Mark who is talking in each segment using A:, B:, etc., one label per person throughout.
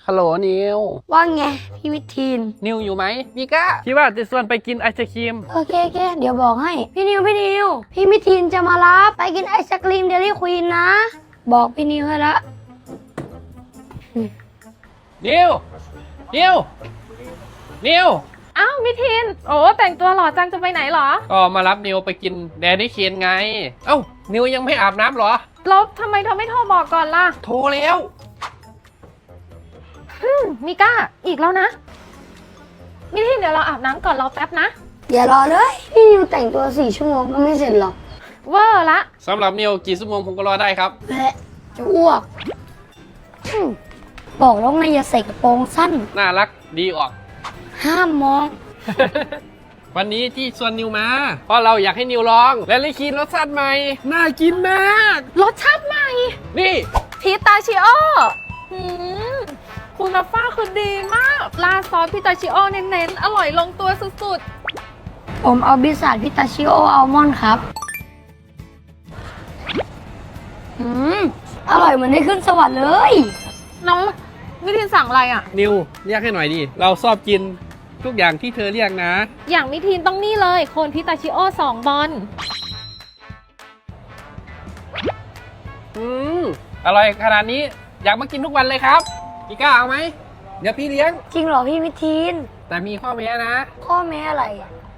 A: ฮัลโหลนิว
B: ว่าไงพี่วิทีน
A: นิวอยู่ไหมมีก้าพี่ว่าจะชวนไปกินไอศครีม
B: โอเคเดี๋ยวบอกให้พี่นิวพี่วิทีนจะมารับไปกินไอศกรีมเดลี่ควีนนะบอกพี่นิวให้ละ
A: นิว
C: อ้าวมิทินโอ้แต่งตัวหล่อจังจะไปไหนเหรอ
A: ก็มารับนิวไปกินแดนนี่เคนไงเอ้านิวยังไม่อาบน้ำเหรอ
C: แล้วทำไมเธอไม่โทรบอกก่อนล่ะ
A: โทรแล้ว
C: มิก้าอีกแล้วนะมิทินเดี๋ยวเราอาบน้ำก่อนรอแป๊บนะ
B: อย่ารอเลยพี่นิวแต่งตัว4 ชั่วโมงก็ไม่เสร็จหรอก
C: เวอร์ละ
A: สำหรับนิวกี่ชั่วโมงผมก็รอได้ครับ
B: และจะอ้วกบอกแล้วไงอย่าใส่กระโปรงสั้น
A: น่ารักดีออก
B: ห้ามมอง
A: วันนี้ที่ชวนนิวมาเพราะเราอยากให้นิวลองและลิคีนรสชาติใหม่น่ากินมาก
C: รสชาติใหม่
A: นี่
C: พิตาชิโอคุณภาพคือดีมากราดซอสพิตาชิโอเน้นๆอร่อยลงตัวสุด
B: ๆผมเอาบิสซัทพิตาชิโออัลมอนด์ครับอร่อยเหมือนได้ขึ้นสวรรค์เลย
C: น้องมิทินสั่งอะไรอ่ะ
A: นิวเรียกให้หน่อยดิเราชอบกินทุกอย่างที่เธอเรียกนะ
C: อย่างมิทินต้องนี่เลยโคนพิตาชิโอ2 บอล
A: อร่อยขนาดนี้อยากมากินทุกวันเลยครับพี่ก้าเอาไหมเดี๋ยวพี่เลี้ยง
B: จริงเหรอพี่วิทีน
A: แต่มีข้อแม้นะ
B: ข้อแม้อะไร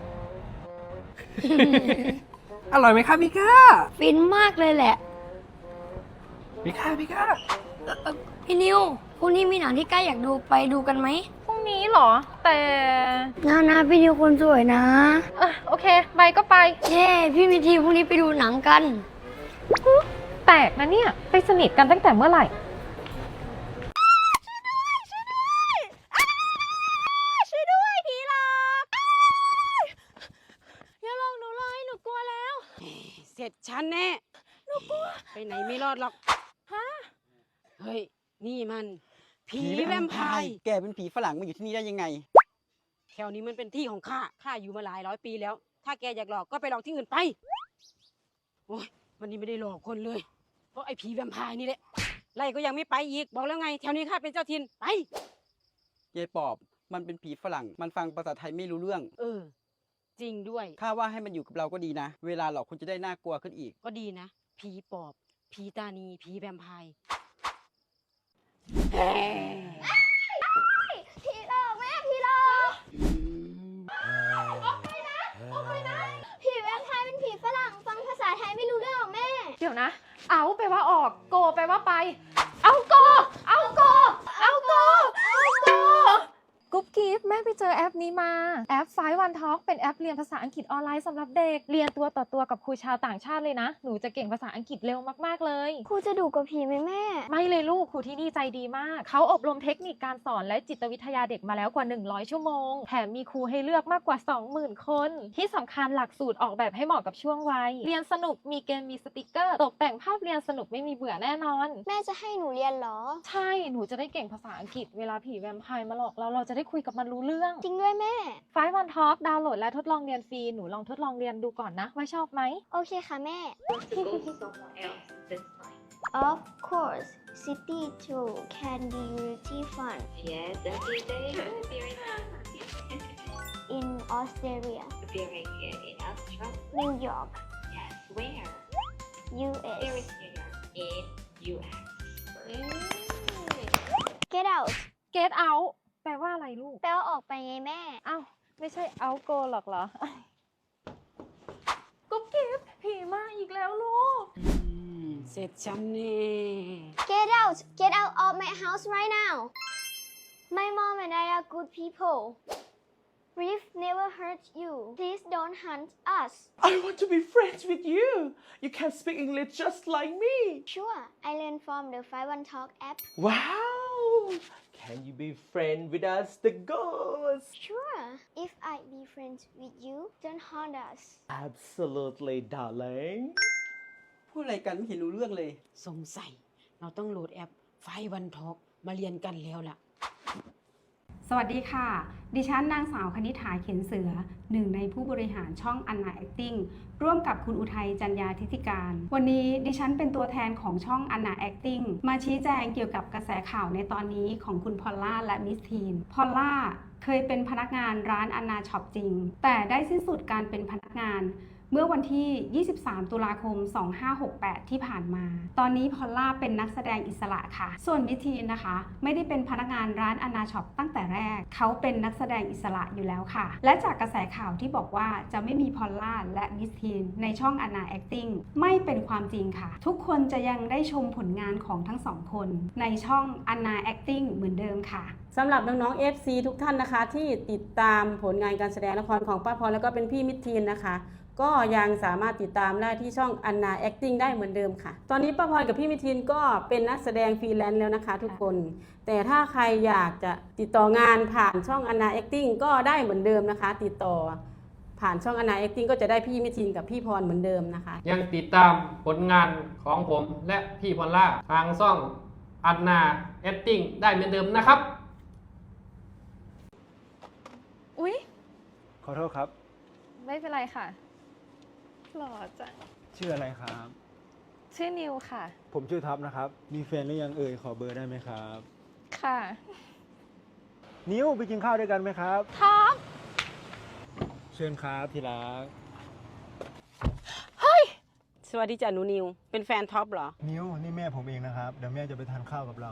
A: อร่อยไหมครับพี่ก้า
B: ฟินมากเลยแหละ
A: พี่ก้า
B: พี่นิวพรุ่งนี้มีหนังที่ใกล้อยากดูไปดูกันไหม
C: พรุ่งนี้เหรอแต่
B: นะพี่นิวคนสวยนะ
C: โอเคไปก็ไป
B: พี่วิทีนพรุ่งนี้ไปดูหนังกัน
C: แปลกนะเนี่ยไปสนิทกันตั้งแต่เมื่อไหร่ช่วยด้วยผีหลอกอย่าลงหนูเลยหนูกลัวแล้ว
D: เสร็จฉันแน่หนูกลัวไปไหนไม่รอดหรอก
C: ฮะ
D: เฮ้ยนี่มันผีแวมไพร์
E: แกเป็นผีฝรั่งมาอยู่ที่นี่ได้ยังไง
D: แถวนี้มันเป็นที่ของข้าอยู่มาหลาย100 ปีแล้วถ้าแกอยากหลอกก็ไปหลอกที่อื่นไปโอ้ยวันนี้ไม่ได้หลอกคนเลยเพราะไอ้ผีแวมไพร์นี่แหละไล่ก็ยังไม่ไปอีกบอกแล้วไงแถวนี้ข้าเป็นเจ้าถิ่นไป
E: ยายปอบมันเป็นผีฝรั่งมันฟังภาษาไทยไม่รู้เรื่อง
D: จริงด้วย
E: ข้าว่าให้มันอยู่กับเราก็ดีนะเวลาหลอกคนจะได้น่ากลัวขึ้นอีก
D: ก็ดีนะผีปอบผีตานีผีแวมไพร์
B: ผีหลอกแม่ผีหลอกออกไปนะผีแวมไพร์เป็นผีฝรั่งฟังภาษาไทยไม่รู้เรื่องหรอกแม่
C: เดี๋ยวนะเอาแปลว่าออกโกแปลว่าไปเอาโกกุ๊บกิ๊บแม่ไปเจอแอปนี้มาแอป5 One Talk เป็นแอปเรียนภาษาอังกฤษออนไลน์สำหรับเด็กเรียนตัวต่อตัวกับครูชาวต่างชาติเลยนะหนูจะเก่งภาษาอังกฤษเร็วมากๆเลย
B: ครูจะดุกว่าผีไหมแม่
C: ไม่เลยลูกครูที่นี่ใจดีมากเขาอบรมเทคนิคการสอนและจิตวิทยาเด็กมาแล้วกว่า100 ชั่วโมงแถมมีครูให้เลือกมากกว่า 20,000 คนที่สำคัญหลักสูตรออกแบบให้เหมาะกับช่วงวัยเรียนสนุกมีเกมมีสติกเกอร์ตกแต่งภาพเรียนสนุกไม่มีเบื่อแน่นอน
B: แม่จะให้หนูเรียนเหรอ
C: ใช่หนูจะได้เก่งภาษาอังกฤษเวลาผีแวมไพร์มาหลอกเราจะได้คุยกับมันรู้เรื่อง
B: จริงด้วยแม่
C: 5 One Talk ดาวน์โหลดและทดลองเรียนฟรีหนูลองทดลองเรียนดูก่อนนะว่าชอบไหม
B: โอเคค่ะแม่ Of course city tour can be really fun
F: Yes every day
B: in Australia
F: very good in Australia
B: New York
F: Yes where
B: US
F: Where is New York in US
B: Get out
C: Get out แปลว่าอะไรลูก
B: แปลว่าออกไปไงแม่
C: อ้าวไม่ใช่ out go หรอกเหรอกุ๊บกิ๊บผีมาอีกแล้วลูก
D: เสร็จฉันแน่
B: Get out of my house right now My mom and I are good people We've never hurt you Please don't hunt us
G: I want to be friends with you You can speak English just like me
B: Sure I learned from the 5 One Talk app
G: Wow Can you be friends with us the ghost
B: Sure If I be friends with you don't haunt us
G: Absolutely darling
E: พูดอะไรกันไม่เห็นรู้เรื่องเลย
D: สงสัยเราต้องโหลดแอป5 One Talk มาเรียนกันแล้วล่ะ
H: สวัสดีค่ะ ดิฉันนางสาวคณิษฐาเขียนเสือหนึ่งในผู้บริหารช่องอันนาแอคติ้งร่วมกับคุณอุทัยจันยาธิติการ วันนี้ดิฉันเป็นตัวแทนของช่องอันนาแอคติ้งมาชี้แจงเกี่ยวกับกระแสข่าวในตอนนี้ของคุณพอลล่าและมิสทีน พอลล่าเคยเป็นพนักงานร้านอันนาช็อปจริง แต่ได้สิ้นสุดการเป็นพนักงานเมื่อวันที่ 23 ตุลาคม 2568 ที่ผ่านมา ตอนนี้พอลล่าเป็นนักแสดงอิสระค่ะ ส่วนมิทีนนะคะ ไม่ได้เป็นพนักงานร้านอนาช็อปตั้งแต่แรก เขาเป็นนักแสดงอิสระอยู่แล้วค่ะ และจากกระแสข่าวที่บอกว่าจะไม่มีพอลล่าและมิทีนในช่องอนาแอคติ้งไม่เป็นความจริงค่ะ ทุกคนจะยังได้ชมผลงานของทั้งสองคนในช่องอนาแอคติ้งเหมือนเดิมค่ะ
D: สำหรับน้องๆ FC ทุกท่านนะคะที่ติดตามผลงานการแสดงละครของป้าพรแล้วก็เป็นพี่มิตรทีนนะคะก็ยังสามารถติดตามได้ที่ช่องอันนาแอคติ้งได้เหมือนเดิมค่ะตอนนี้ป้าพรกับพี่มิตรทีนก็เป็นนักแสดงฟรีแลนซ์แล้วนะคะทุกคนแต่ถ้าใครอยากจะติดต่องานผ่านช่องอันนาแอคติ้งก็ได้เหมือนเดิมนะคะติดต่อผ่านช่องอันนาแอคติ้งก็จะได้พี่มิตรทีนกับพี่พรเหมือนเดิมนะคะ
A: ยังติดตามผลงานของผมและพี่พอลล่าทางช่องอันนาแอคติ้งได้เหมือนเดิมนะครับ
C: อุ๊ย
I: ขอโทษครับ
C: ไม่เป็นไรค่ะหล่อจัง
I: ชื่ออะไรครับ
C: ชื่อนิวค่ะ
I: ผมชื่อท็อปนะครับ มีแฟนหรือยังเอ่ย ขอเบอร์ได้ไหมครับ
C: ค่ะ
I: นิ้วไปกินข้าวด้วยกันไหมครับ
C: ท็อป
I: เชิญครับที่รัก
D: สวัสดีจ้ะหนูนิวเป็นแฟนท็อปเหรอ
I: นิ้วนี่แม่ผมเองนะครับ เดี๋ยวแม่จะไปทานข้าวกับเรา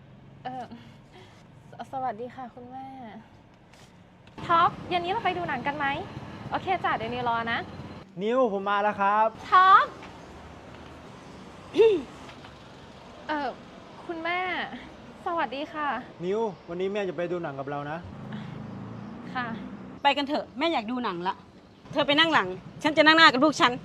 C: สวัสดีค่ะคุณแม่ ท็อปเย็นนี้เราไปดูหนังกันไหม โอเคจ้ะเดี๋ยวนิวรอนะ
I: นิ้วผมมาแล้วครับ
C: ท็อป คุณแม่ สวัสดีค่ะ
I: นิ้ววันนี้แม่จะไปดูหนังกับเรานะ
C: ค่ะ
D: ไปกันเถอะแม่อยากดูหนังละเธอไปนั่งหลังฉันจะนั่งหน้ากับลูกฉัน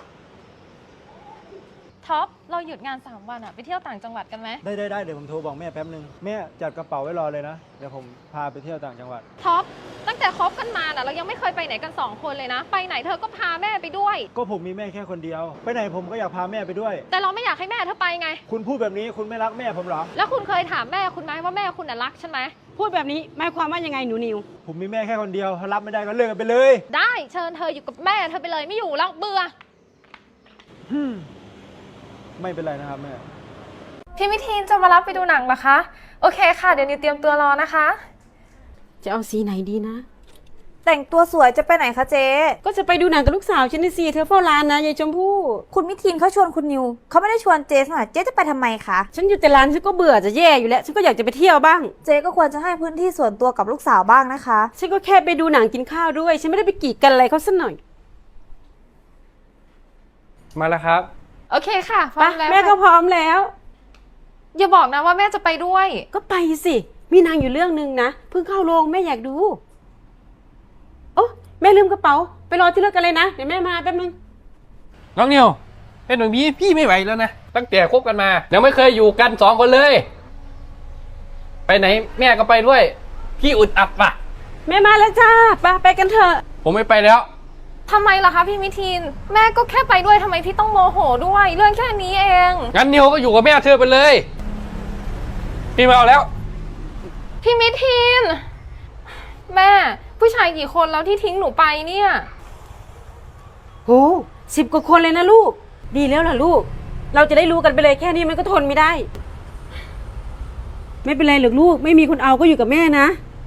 C: ท็อป เราหยุดงาน3 วันอะไปเที่ยวต่างจังหวัดกันไหม
I: ได้เดี๋ยวผมโทรบอกแม่แป๊บนึง แม่จัดกระเป๋าไว้รอเลยนะ เดี๋ยวผมพาไปเที่ยวต่างจังหวัด
C: ท็อป ตั้งแต่คบกันมาน่ะเรายังไม่เคยไปไหนกัน2 คนเลยนะ ไปไหนเธอก็พาแม่ไปด้วย
I: ก็ผมมีแม่แค่คนเดียว ไปไหนผมก็อยากพาแม่ไปด้วย
C: แต่เราไม่อยากให้แม่เธอไปไง
I: คุณพูดแบบนี้คุณไม่รักแม่ผมเหรอ
C: แล้วคุณเคยถามแม่คุณไหมว่าแม่คุณน่ะรักฉันไหม
D: พูดแบบนี้หมายความว่ายังไงหนูนิว
I: ผมมีแม่แค่คนเดียวถ้ารับไม่ได้ก็เลิกกันไปเลย
C: ได้เชิญเธออยู่กับแม่เธอไปเลยไม่อยู่แล้วเบื่อ
I: ไม่เป็นไรนะครับแม่
C: พี่มิทีนจะมารับไปดูหนังเหรอคะ โอเคค่ะเดี๋ยวนิวเตรียมตัวรอนะคะ
D: จะเอาสีไหนดีนะ
J: แต่งตัวสวยจะไปไหนคะเจ๊
D: ก็จะไปดูหนังกับลูกสาวฉันนี่สิเธอเฝ้าร้านนะยายชมพู่
J: คุณมิทีนเขาชวนคุณนิวเขาไม่ได้ชวนเจ๊สักหน่อยเจ๊จะไปทำไมคะ
D: ฉันอยู่แต่ร้านฉันก็เบื่อจะแย่อยู่แล้วฉันก็อยากจะไปเที่ยวบ้าง
J: เจ๊ก็ควรจะให้พื้นที่ส่วนตัวกับลูกสาวบ้างนะคะ
D: ฉันก็แค่ไปดูหนังกินข้าวด้วยฉันไม่ได้ไปกีดกันอะไรเขาสักหน่อย
A: มาแล้วครับ
C: โอเคค่ะพร้อมแล้ว
D: แม่ก็พร้อมแล้ว
C: อย่าบอกนะว่าแม่จะไปด้วย
D: ก็ไปสิมีหนางอยู่เรื่องนึงนะเพิ่งเข้าโรงแม่อยากดูโอ้แม่ลืมกระเป๋าไปรอที่รถกันเลยนะเดี๋ยวแม่มาแป๊บนึง
A: น้องนิวเป็นแบบนี้พี่ไม่ไหวแล้วนะ ตั้งแต่คบกันมายังไม่เคยอยู่กัน2 คนเลย ไปไหนแม่ก็ไปด้วย พี่อึดอัดว่ะ
D: แม่มาแล้วจ้าไปกันเถอะ
A: ผมไม่ไปแล้ว
C: ทำไมล่ะคะพี่มิทีน แม่ก็แค่ไปด้วยทำไมพี่ต้องโมโหด้วย เรื่องแค่นี้เอง
A: งั้นนิวก็อยู่กับแม่เธอไปเลย พี่ไม่เอาแล้ว
C: พี่มิทีน แม่ผู้ชายกี่คนแล้วที่ทิ้งหนูไปเนี่ย
D: โห10 กว่าคนเลยนะลูกดีแล้วล่ะลูกเราจะได้รู้กันไปเลยแค่นี้มันก็ทนไม่ได้ ไม่เป็นไรหรอกลูกไม่มีคนเอาก็อยู่กับแม่นะ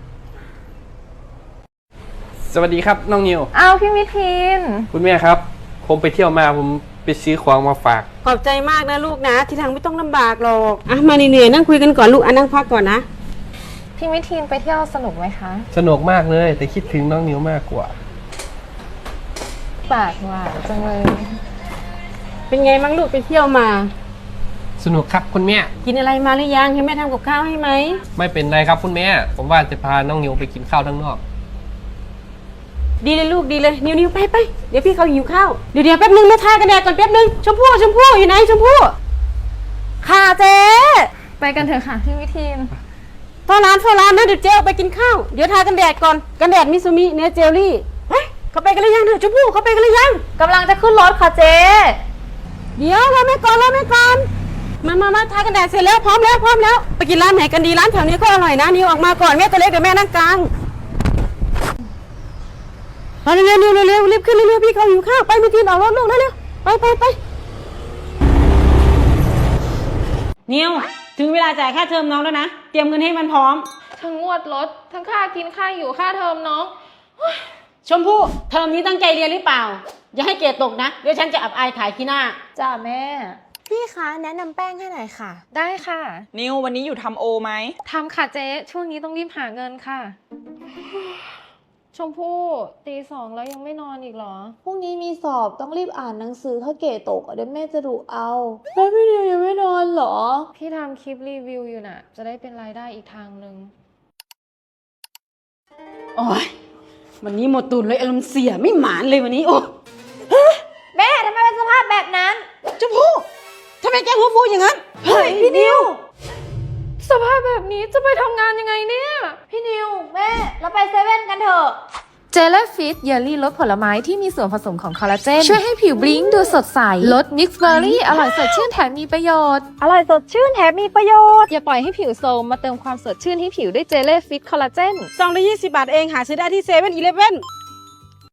A: สวัสดีครับน้องนิว
C: เอาพี่มิทีน
A: คุณแม่ครับ ผมไปเที่ยวมาผมไปซื้อของมาฝาก
D: ขอบใจมากนะลูกนะทีหลังไม่ต้องลำบากหรอกอ่ะมาเหนื่อยๆนั่งคุยกันก่อนลูกนั่งพักก่อนนะ
C: พี่มิทีนไปเที่ยวสนุกไหมคะ
A: สนุกมากเลยแต่คิดถึงน้องนิวมากกว่า
C: ปากหวานจังเลย
D: เป็นไงมั่งลูกไปเที่ยวมา
A: สนุกครับคุณแม่
D: กินอะไรมาหรือยังให้แม่ทำกับข้าวให้ไหม
A: ไม่เป็นไรครับคุณแม่ ผมว่าจะพาน้องนิวไปกินข้าวข้างนอก
D: ดีเลยลูกดีเลยนิวไปเดี๋ยวพี่เขาหิวข้าวเดี๋ยวแป๊บนึงแม่ทากันแดดก่อนแป๊บนึงชมพู่อยู่ไหนชมพู่
J: ค่ะเจ๊
C: ไปกันเถอะค่ะพี่มิทีน
D: เฝ้าร้านนะเดี๋ยวเจ๊ออกไปกินข้าวเดี๋ยวทากันแดดก่อนกันแดดมิซูมิเนื้อเจลลี่เฮ้ยเขาไปกันหรือยังเถอะชมพู่เขาไปกันหรือยัง
J: กำลังจะขึ้นรถค่ะเจ๊
D: เดี๋ยวรอแม่ก่อนมาทากันแดดเสร็จแล้วพร้อมแล้วไปกินร้านไหนกันดีร้านแถวนี้ก็อร่อยนะนิวออกมาก่อนแม่ตัวเล็กเดี๋ยวแม่นั่งกลางมาเร็วรีบขึ้นเร็วพี่เขาหิวข้าวไปไม่กินออกรถลูกเร็วไปนิวถึงเวลาจ่ายค่าเทอมน้องแล้วนะเตรียมเงินให้มันพร้อม
C: ทั้งงวดรถ ทั้งค่ากินค่าอยู่ค่าเทอมน้อง
D: ชมพู่เทอมนี้ตั้งใจเรียนหรือเปล่าอย่าให้เกรดตกนะเดี๋ยวฉันจะอับอายขายขี้หน้า
J: จ้าแม่ พี่คะแนะนำแป้งให้หน่อยค่ะ
C: ได้ค่ะ
K: นิววันนี้อยู่ทำโอไหม
C: ทำค่ะเจ๊ช่วงนี้ต้องรีบหาเงินค่ะ ชมพู่ตีสองแล้วยังไม่นอนอีกเหรอ
J: พรุ่งนี้มีสอบต้องรีบอ่านหนังสือถ้าเกรดตกเดี๋ยวแม่จะดุเอา แล้วพี่นิวยังไม่นอนเหรอ
C: พี่ทำคลิปรีวิวอยู่น่ะ จะได้เป็นรายได้อีกทางหนึ่ง
D: โอ้ยวันนี้หมดตูนเลยอารมณ์เสียไม่หมานเลยวันนี้โอ้
J: แม่ทำไมเป็นสภาพแบบนั้น
D: ชมพู่ทำไมแกหัวฟูอย่างนั้น
J: เฮ้ยพี่นิว
C: สภาพแบบนี้จะไปทำงานยังไงเนี่ย
J: พี่นิวแม่เราไปเซเว่นกันเถอะ
C: เจลฟิตเยลลี่รสผลไม้ที่มีส่วนผสมของคอลลาเจนช่วยให้ผิวบลิ้งดูสดใสรสมิกซ์เบอร์รี่อร่อยสดชื่นแถมมีประโยชน์
J: อร่อยสดชื่นแถมมีประโยชน์
C: อย่าปล่อยให้ผิวโทรมมาเติมความสดชื่นให้ผิวด้วยเจลฟิตคอลลาเจน
D: 220 บาทเองหาซื้อได้ที่7-Eleven